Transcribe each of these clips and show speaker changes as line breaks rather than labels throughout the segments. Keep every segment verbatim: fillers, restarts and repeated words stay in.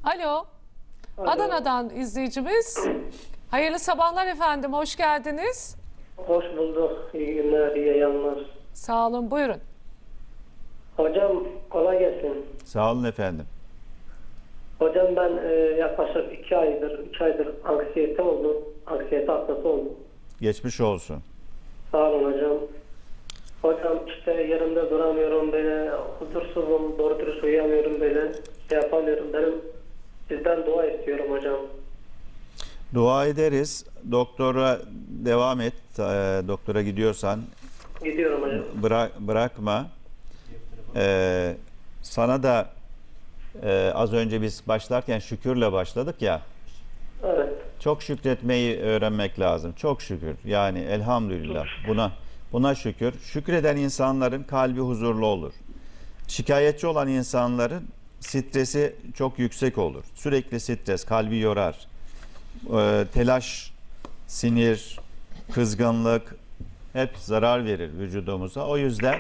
Alo.
Alo.
Adana'dan izleyicimiz. Hayırlı sabahlar efendim. Hoş geldiniz.
Hoş bulduk. İyi günler, iyi yayınlar.
Sağ olun. Buyurun.
Hocam kolay gelsin.
Sağ olun efendim.
Hocam ben e, yaklaşık iki aydır, üç aydır anksiyete oldum. Anksiyete hastası oldum.
Geçmiş olsun.
Sağ olun hocam. Hocam işte yerimde duramıyorum böyle, huzursuzum, doğru dürüst uyuyamıyorum böyle, şey yapamıyorum. Benim sizden dua istiyorum hocam.
Dua ederiz. Doktora devam et. Ee, doktora gidiyorsan
Gidiyorum hocam.
bırak, bırakma. Ee, sana da e, az önce biz başlarken şükürle başladık ya.
Evet.
Çok şükretmeyi öğrenmek lazım. Çok şükür. Yani elhamdülillah. Buna buna şükür. Şükreden insanların kalbi huzurlu olur. Şikayetçi olan insanların stresi çok yüksek olur. Sürekli stres kalbi yorar. Ee, telaş, sinir, kızgınlık hep zarar verir vücudumuza. O yüzden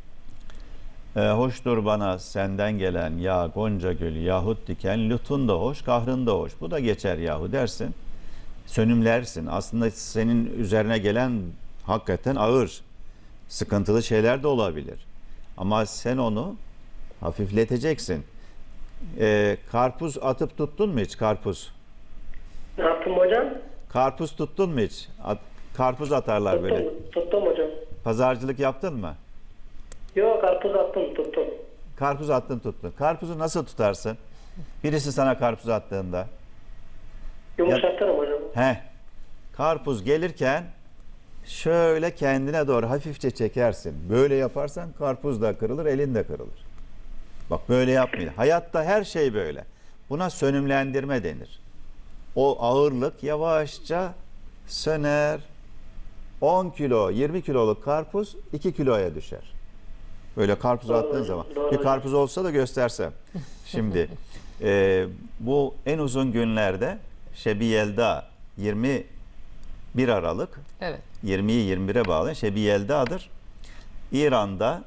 e, hoştur bana senden gelen ya gonca gül yahut diken, lütfun da hoş, kahrın da hoş. Bu da geçer yahu dersin. Sönümlersin. Aslında senin üzerine gelen hakikaten ağır, sıkıntılı şeyler de olabilir. Ama sen onu hafifleteceksin. Ee, karpuz atıp tuttun mu hiç karpuz?
Ne yaptım hocam?
Karpuz tuttun mu hiç? At, karpuz atarlar
Tuttum,
böyle.
tuttum hocam.
Pazarcılık yaptın mı?
Yok, karpuz attım, tuttum.
Karpuz attın tuttun. Karpuzu nasıl tutarsın? Birisi sana karpuz attığında.
Yumuşatırım hocam.
He. Karpuz gelirken şöyle kendine doğru hafifçe çekersin. Böyle yaparsan karpuz da kırılır, elin de kırılır. Bak böyle yapmayın. Hayatta her şey böyle. Buna sönümlendirme denir. O ağırlık yavaşça söner. on kilo, yirmi kiloluk karpuz iki kiloya düşer. Böyle karpuz
Doğru,
attığın zaman.
doğru.
Bir karpuz olsa da göstersem. Şimdi e, bu en uzun günlerde Şebi Yelda yirmi bir Aralık,
Evet.
yirmiyi yirmi bire bağlı Şebi Yelda'dır. İran'da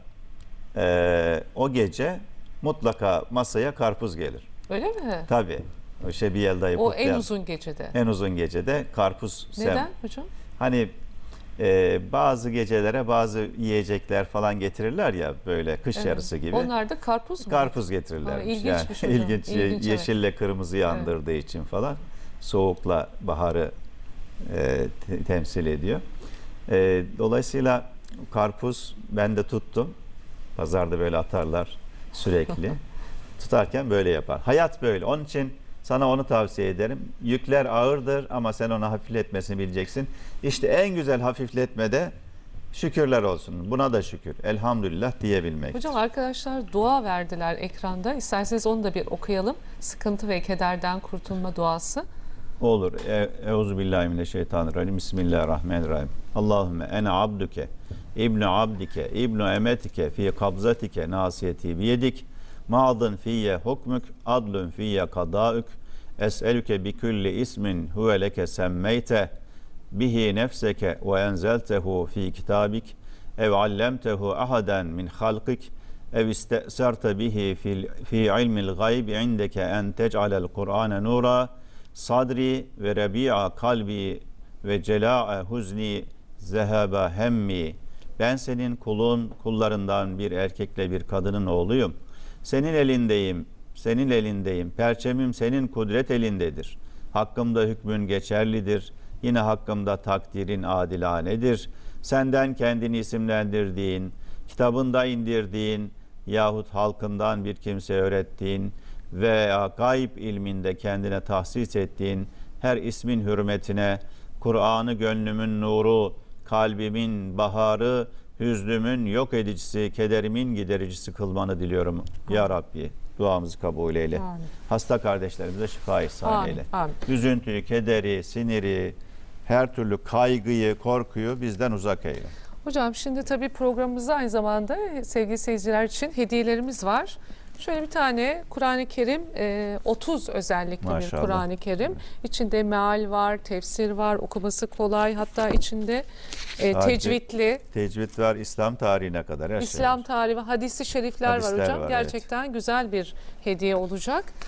e, o gece mutlaka masaya karpuz gelir.
Öyle mi?
Tabii. O Şebi Yelda'yı
O en
kutlayan
uzun gecede.
en uzun gecede karpuz sem.
Neden hocam?
Hani e, bazı gecelere bazı yiyecekler falan getirirler ya böyle kış
Evet.
yarısı gibi.
Onlar da karpuz mu?
Karpuz getirirler.
Aa, ilginçmiş
yani,
hocam.
ilginç,
İlginç, evet.
yeşille kırmızıyı andırdığı için falan soğukla baharı e, te- temsil ediyor. E, dolayısıyla karpuz ben de tuttum. Pazarda böyle atarlar sürekli. Tutarken böyle yapar. Hayat böyle. Onun için sana onu tavsiye ederim. Yükler ağırdır ama sen onu hafifletmesini bileceksin. İşte en güzel hafifletmede şükürler olsun. Buna da şükür. Elhamdülillah diyebilmek.
Hocam arkadaşlar dua verdiler ekranda. İsterseniz onu da bir okuyalım. Sıkıntı ve kederden kurtulma duası.
Olur. E, Euzubillahimineşşeytanirracim. Bismillahirrahmanirrahim. Allahümme ene abduke, ibnu abdike, ibnu emetike, fi kabzatike, nasiyeti biyedik, ma'dın fiyye hukmük, adlun fiyye kadaük, es'elüke bi külli ismin huve leke semmeyte, bihi nefseke ve enzeltehu fi kitabik, ev allemtehu ahaden min halkik, ev iste'serte bihi fi, fi ilmil gayb indeke en tec'alel Kur'ane nura, sadri ve rebi'a kalbi ve cela'a huzni zehaba hemmi. Ben senin kulun, kullarından bir erkekle bir kadının oğluyum. Senin elindeyim, senin elindeyim. Perçemim senin kudret elindedir. Hakkımda hükmün geçerlidir. Yine hakkımda takdirin adilanedir. Senden kendini isimlendirdiğin, kitabında indirdiğin yahut halkından bir kimse öğrettiğin veya gayb ilminde kendine tahsis ettiğin her ismin hürmetine Kur'an'ı gönlümün nuru, kalbimin baharı, hüznümün yok edicisi, kederimin gidericisi kılmanı diliyorum. Ya Rabbi duamızı kabul eyle.
Amin.
Hasta kardeşlerimize şifa ihsan
Amin,
eyle.
amin.
Üzüntüyü, kederi, siniri, her türlü kaygıyı, korkuyu bizden uzak eyle.
Hocam şimdi tabii programımızda aynı zamanda sevgili seyirciler için hediyelerimiz var. Şöyle bir tane Kur'an-ı Kerim, e, otuz özellikle bir
Maşallah.
Kur'an-ı Kerim. İçinde meal var, tefsir var, okuması kolay. Hatta içinde e,
Sadece
tecvidli,
Tecvid var, İslam tarihine kadar her
İslam
şey var.
tarihi, hadisi şerifler
Hadisler
var hocam.
var,
Gerçekten güzel bir hediye olacak.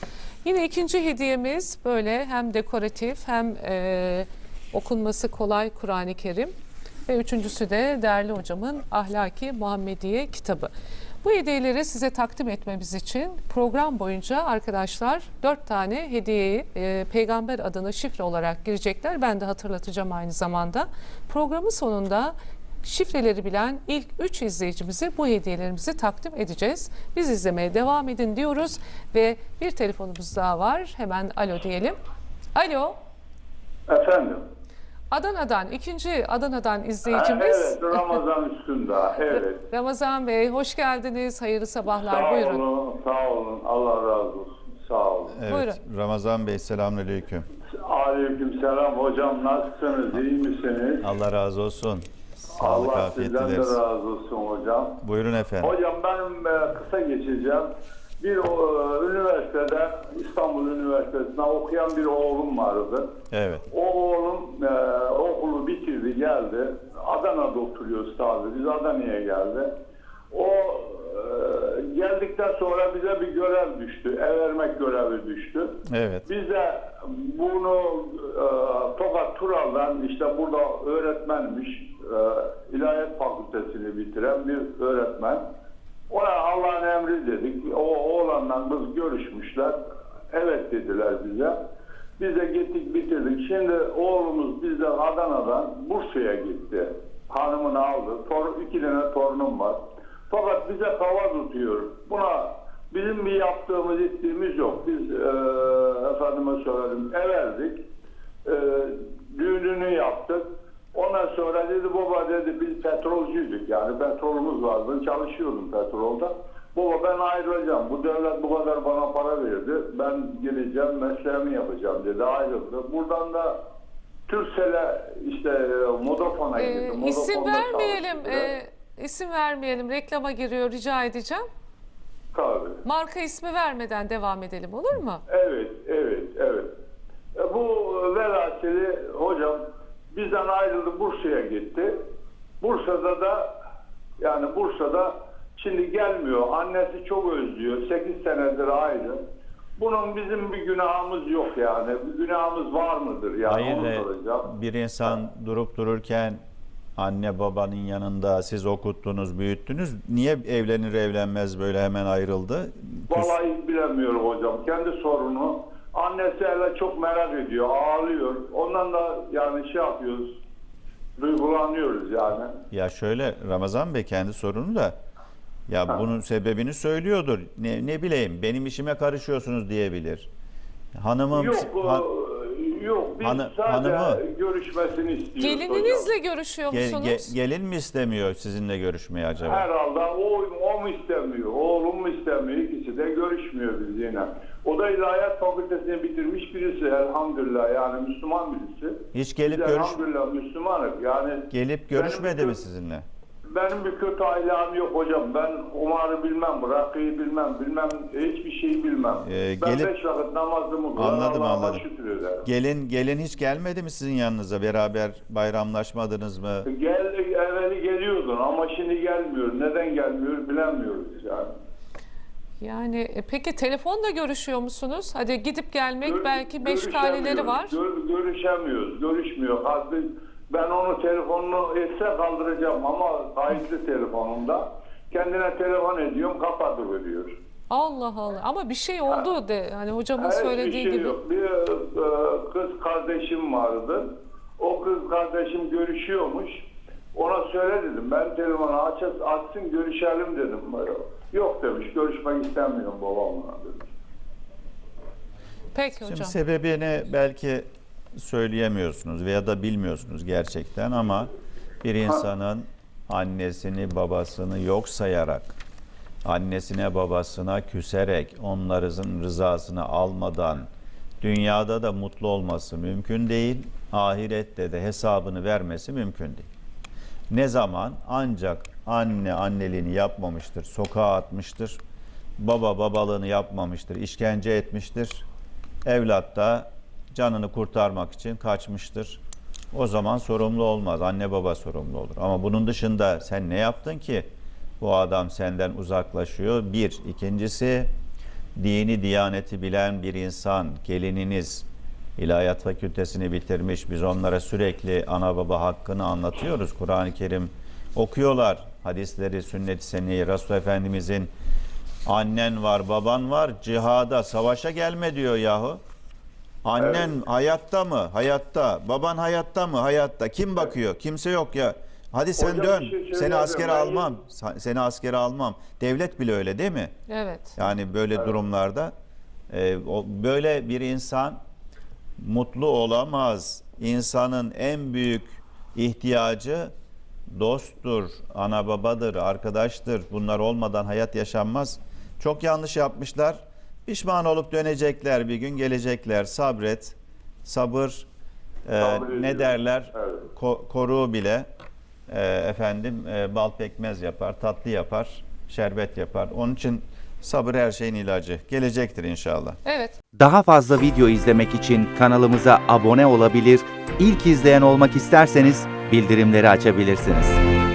Yine ikinci hediyemiz böyle hem dekoratif hem e, okunması kolay Kur'an-ı Kerim. Ve üçüncüsü de değerli hocamın Ahlaki Muhammediye kitabı. Bu hediyeleri size takdim etmemiz için program boyunca arkadaşlar dört tane hediyeyi e, peygamber adına şifre olarak girecekler. Ben de hatırlatacağım aynı zamanda. Programın sonunda şifreleri bilen ilk üç izleyicimize bu hediyelerimizi takdim edeceğiz. Biz izlemeye devam edin diyoruz ve bir telefonumuz daha var. Hemen alo diyelim. Alo.
Efendim.
Adana'dan, ikinci Adana'dan
Ha,
izleyicimiz.
evet, Ramazan üstünde. Evet.
Ramazan Bey, hoş geldiniz. Hayırlı sabahlar.
Sağ
Buyurun.
olun, sağ olun. Allah razı olsun. Sağ olun.
Evet,
Buyurun.
Ramazan Bey selamünaleyküm.
Aleyküm selam hocam. Nasılsınız? İyi misiniz?
Allah razı olsun. Sağlık,
Allah
afiyet
sizden de
dileriz.
razı olsun hocam.
Buyurun efendim.
Hocam ben e, kısa geçeceğim. Bir o, üniversitede, İstanbul Üniversitesi'nde okuyan bir oğlum vardı.
Evet.
O oğlum e, okulu bitirdi, geldi. Adana'da oturuyoruz tabii. Biz Adana'ya geldi. O e, geldikten sonra bize bir görev düştü. Ev vermek görevi düştü.
Evet.
Biz de bunu e, Tokat Tural'dan, işte burada öğretmenmiş, e, İlahiyat Fakültesini bitiren bir öğretmen. Ona Allah'ın emri dedik. O oğlanla kız görüşmüşler. Evet dediler bize. Biz de gittik bitirdik. Şimdi oğlumuz bizden Adana'dan Bursa'ya gitti. Hanımını aldı. Tor, iki tane torunum var. Fakat bize kava tutuyor. Buna bizim bir yaptığımız ettiğimiz yok. Biz e, efendime söyledim ev verdik. E, düğününü yaptık. Ondan sonra dedi baba dedi biz petrolcüydük, yani petrolümüz vardı, çalışıyordum petrolda. Baba ben ayrılacağım, bu devlet bu kadar bana para verdi, ben geleceğim mesleğimi yapacağım dedi, ayrıldı. Buradan da Türksel'e işte Modafon'a
Ee,
gittim.
isim
Modafon'da
vermeyelim.
çalıştı.
E, isim vermeyelim. Reklama giriyor. Rica edeceğim.
Tabii.
Marka ismi vermeden devam edelim, olur mu?
Evet, evet, evet. E, bu velhasili hocam bizden ayrıldı, Bursa'ya gitti. Bursa'da da yani Bursa'da şimdi gelmiyor. Annesi çok özlüyor. sekiz senedir ayrı. Bunun bizim bir günahımız yok yani. Bir günahımız var mıdır yani?
Hayır,
onu
e,
soracağım.
bir insan durup dururken anne babanın yanında siz okuttunuz, büyüttünüz. Niye evlenir evlenmez böyle hemen ayrıldı?
Vallahi bilemiyorum hocam. Kendi sorunu. Annesi hele çok merak ediyor. Ağlıyor. Ondan da yani şey yapıyoruz. Duygulanıyoruz yani.
Ya şöyle Ramazan Bey kendi sorunu da ya
Ha.
bunun sebebini söylüyordur. Ne, ne bileyim benim işime karışıyorsunuz diyebilir. Hanımım
Yok,
ha-
e, yok. Biz
Hanı-
sadece
hanımı-
görüşmesini istiyoruz
Gelininizle
hocam.
görüşüyor
ge-
musunuz?
ge- gelin mi istemiyor sizinle görüşmeyi acaba?
Herhalde o, o mu istemiyor, oğlum mu istemiyor, ikisi de görüşmüyor bizimle. O da İlahiyat Fakültesini bitirmiş birisi elhamdülillah, yani Müslüman birisi.
Hiç gelip
Biz
görüş
elhamdülillah Müslümanız yani.
gelip görüşmedi
benim
mi
bir-
sizinle?
Benim bir kötü ailem yok hocam. Ben Umar'ı bilmem, Rakı'yı bilmem, bilmem hiçbir şeyi bilmem.
Ee,
ben
gelip-
beş vakit namazımı kılar,
Anladım,
Allah'ıma
anladım.
şükür ederim.
Gelin gelin hiç gelmedi mi sizin yanınıza? Beraber bayramlaşmadınız mı?
Gel, evveli geliyordun ama şimdi gelmiyor. Neden gelmiyor bilemiyoruz yani.
Yani e, peki telefonla görüşüyor musunuz? Hadi gidip gelmek
Gör-
belki meşgaleleri var.
görüşemiyoruz, Gör, görüşemiyoruz, görüşmüyor. Hadi ben onu telefonunu etse kaldıracağım ama kayıtlı telefonumda. Kendine telefon ediyorum, kapatıveriyor.
Allah Allah. Ama bir şey oldu de. Hani hocamın
Hiçbir
söylediği
şey
gibi.
yok. Bir e, kız kardeşim vardı. O kız kardeşim görüşüyormuş. Ona söyle dedim. Ben telefonu aç, açsın görüşelim dedim. Yok demiş. Görüşmek istemiyorum babamla demiş.
Peki
Şimdi
hocam.
sebebini belki söyleyemiyorsunuz veya da bilmiyorsunuz gerçekten ama bir insanın annesini babasını yok sayarak, annesine babasına küserek, onların rızasını almadan dünyada da mutlu olması mümkün değil, ahirette de hesabını vermesi mümkün değil. Ne zaman? Ancak anne anneliğini yapmamıştır, sokağa atmıştır, baba babalığını yapmamıştır, işkence etmiştir, evlat da canını kurtarmak için kaçmıştır. O zaman sorumlu olmaz, anne baba sorumlu olur. Ama bunun dışında sen ne yaptın ki bu adam senden uzaklaşıyor? Bir. İkincisi, dini diyaneti bilen bir insan, gelininiz ilahiyat fakültesini bitirmiş. Biz onlara sürekli ana baba hakkını anlatıyoruz. Kur'an-ı Kerim okuyorlar. Hadisleri, sünnet-i seniyye, Resul Efendimizin annen var, baban var, cihada, savaşa gelme diyor yahu. Annen
Evet.
hayatta mı? Hayatta. Baban hayatta mı? Hayatta. Kim bakıyor? Kimse yok ya. Hadi sen
Hocam
dön.
bir şey
Seni
söyleyeceğim.
askere
Ben-
almam. Sa- Seni askere almam. Devlet bile öyle değil mi?
Evet.
Yani böyle durumlarda e, o, böyle bir insan mutlu olamaz. İnsanın en büyük ihtiyacı dosttur, ana babadır, arkadaştır. Bunlar olmadan hayat yaşanmaz. Çok yanlış yapmışlar. Pişman olup dönecekler, bir gün gelecekler. Sabret, sabır, e,
Sabrediyor.
ne derler?
Evet.
Ko- koruğu bile e, efendim e, bal pekmez yapar, tatlı yapar, şerbet yapar. Onun için sabır her şeyin ilacı. Gelecektir inşallah.
Evet.
Daha fazla video izlemek için kanalımıza abone olabilir, ilk izleyen olmak isterseniz bildirimleri açabilirsiniz.